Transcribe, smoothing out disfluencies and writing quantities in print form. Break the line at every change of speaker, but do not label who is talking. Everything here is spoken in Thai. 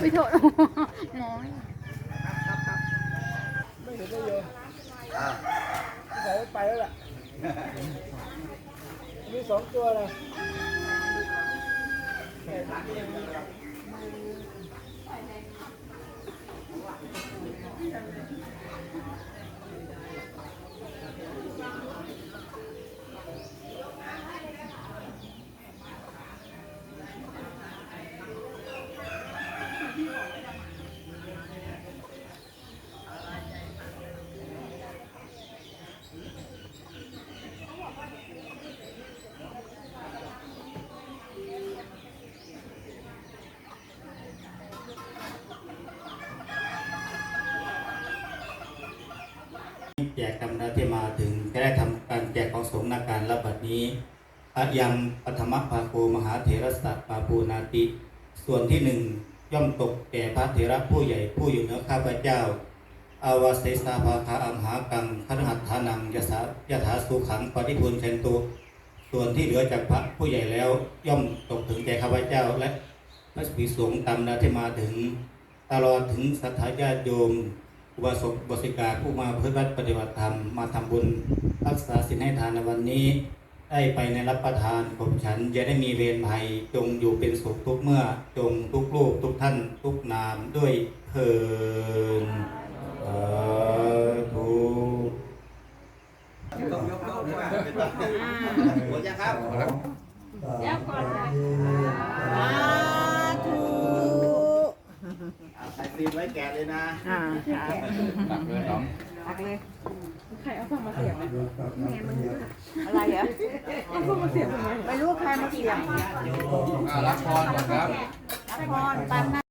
ไม่โทษน้อย
ไม่เห็นได้เลยใส่ไปแล้วล่ะมี2 ตัวนะ
แจกกรรมนาที่มาถึงจะได้ทำการแจกของสงฆ์นาการรับบัดนี้อะยังปัทมภาโกมหาเถรสัตปาปูนาติส่วนที่1ย่อมตกแก่พระเถระผู้ใหญ่ผู้อยู่เหนือข้าพเจ้าอาวาเสสาภาคาอัมหากังคฤหัตถานังยถาสุขังปฏิพูลเชนตุส่วนที่เหลือจากพระผู้ใหญ่แล้วย่อมตกถึงแก่ข้าพเจ้าและพระภิกษุสงฆ์ตามนาที่มาถึงตลอดถึงศรัทธาญาติโยมอุบาสกอุบาสิกาผู้มาเพื่อปฏิบัติธรรมมาทำบุญรักษาศีลให้ทานในวันนี้ได้ไปในรับประทานผมฉันอย่าได้มีเวรภัยจงอยู่เป็นสุขทุกเมื่อจงทุกรูปทุกท่านทุกนามด้วยเถิดถูก
ยกด้วยหมดยังครับ
แล้วก่อน
ใส่ซีนไว้แกะเลยนะ
ตักเลยน้อง
ตักเลยใครเอาฟังมาเสียบแม่มัน
อะไรเหรอ
เอาฟังมาเสียบทำไม
ไม่รู้ใครมาเสียง
รับพรก่อนครับ
รับพรตามหน้า